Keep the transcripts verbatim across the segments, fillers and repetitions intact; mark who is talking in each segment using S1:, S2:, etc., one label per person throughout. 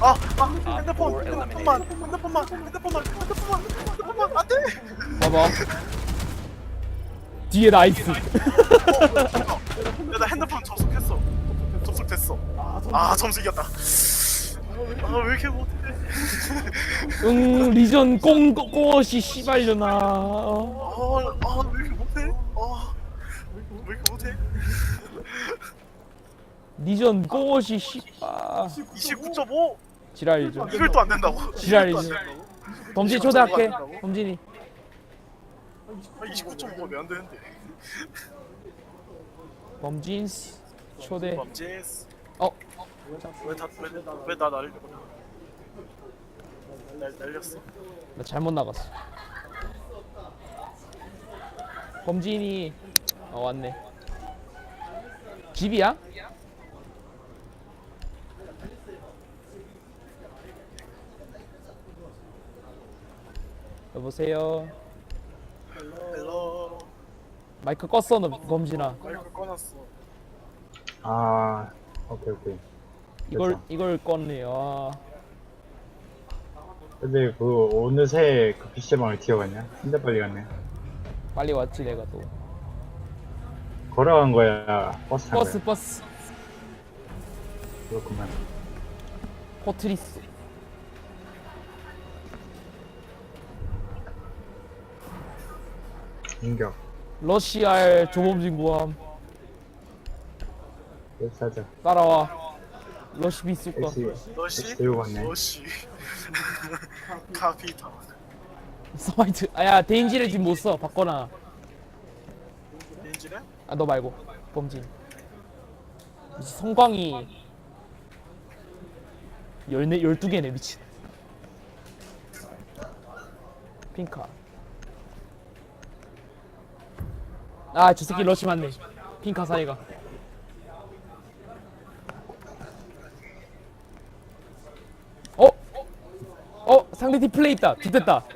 S1: 아, 아, 핸드폰, 핸드폰만, 핸드폰만, 핸드폰만, 핸드폰만, 핸드폰만, 안 돼!
S2: 봐봐. 뒤에 나이스.
S1: 야, 나 핸드폰 접속했어. 접속됐어. 아, 점수 이겼다. 아, 왜 이렇게 못해?
S2: 응, 리전 꽁꽁꽁어시 씨발려나.
S1: 아, 아, 왜 이렇게 못해? 아, 왜 이렇게 못해?
S2: 리전 꽁어시 씨발.
S1: 이십구 점 오?
S2: 지랄이죠.
S1: 이걸 또 안 된다고?
S2: 지랄이죠.
S1: 이걸 또안 된다고?
S2: 범진이 초대할게. 범진이.
S1: 아, 이십구 점 오가 왜 안 되는데?
S2: 범진스 초대.
S1: 범죄스.
S2: 어,
S1: 왜다왜왜나 날려? 날 날렸어.
S2: 나 잘못 나갔어. 범진이 어 왔네. 집이야? 여보세요.
S1: 헬로.
S2: 마이크 껐어 너 범진아.
S1: 마이크 꺼놨어.
S3: 아, 오케이, 오케이.
S2: 이걸
S3: 됐다.
S2: 이걸 껐네. 아,
S3: 근데 그 어느새 그 피시방을 튀어갔냐? 진짜 빨리 갔네.
S2: 빨리 왔지 내가 또.
S3: 걸어간 거야? 버스 탄
S2: 버스
S3: 거야?
S2: 버스.
S3: 그렇구만.
S2: 포트리스.
S3: 인격.
S2: 러시아의 조범진 구함.
S3: 사자.
S2: 따라와. 러시 비수가.
S3: 역시,
S1: 너시?
S3: 역시 들고 갔네.
S1: 너시. 카피타.
S2: 서마이트. 아야 데인지를 지금 못 써. 바꿔놔.
S1: 인지네?
S2: 아 너 말고 범진. 이제 성광이 열네 열두 개네 미친. 핑카. 아 저 새끼 러시 맞네. 핑카 사이가. 어? 어? 상대 팀 플레이 있다. 좋됐다.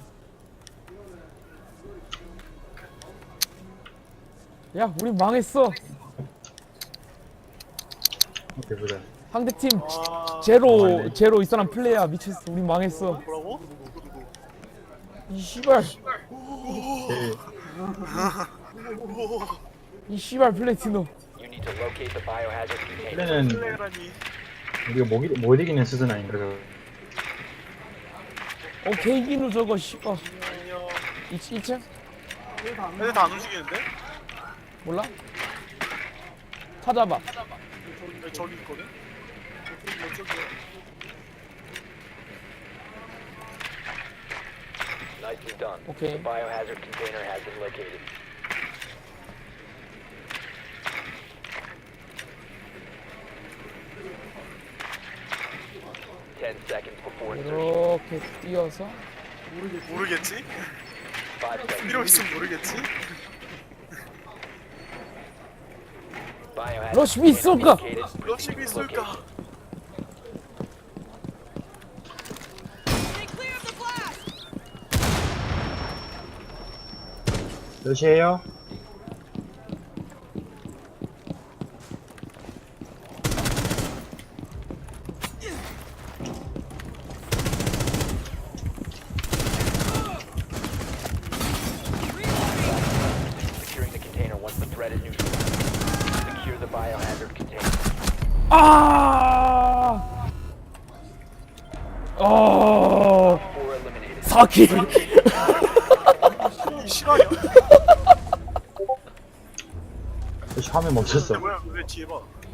S2: 야 우리 망했어.
S3: 오케이, 보자.
S2: 상대 팀
S1: 아,
S2: 제로
S3: 망했네.
S2: 제로 이 사람 플레이야 미쳤어. 우리 망했어.
S1: 뭐라고? 누구 누구?
S2: 이 씨발
S3: 제일,
S2: 이 씨발 플래티노.
S4: You need to locate the biohazard container.
S3: 원래는
S1: 플레이라니.
S3: 우리가 못, 이- 못 이기는 수준 아닌가, 저거.
S2: 어 개이기누 저거 씨발.
S1: 안녕.
S2: 이 층?
S1: 애들 다 안 움직이는데?
S2: 몰라? 찾아봐.
S1: 왜 저기 있거든? 저기.
S4: Nicely done.
S2: Okay.
S4: The biohazard container has been located. Ten seconds before insertion.
S2: 이렇게 뛰어서
S1: 모르겠지?
S4: Five seconds.
S1: 필요 있으면 모르겠지?
S4: Biohazard
S2: 러시
S4: container
S2: 미술가!
S4: indicated.
S1: 러시비 있을까?
S3: 몇이에요?
S4: Securing the container once the threat is neutralized. Secure the biohazard container.
S2: 아! 어
S4: Four eliminated.
S2: 사킬.
S1: 이 실화냐?
S3: 역시 화면 멈췄어.
S1: 뭐야? 왜 뒤에 봐?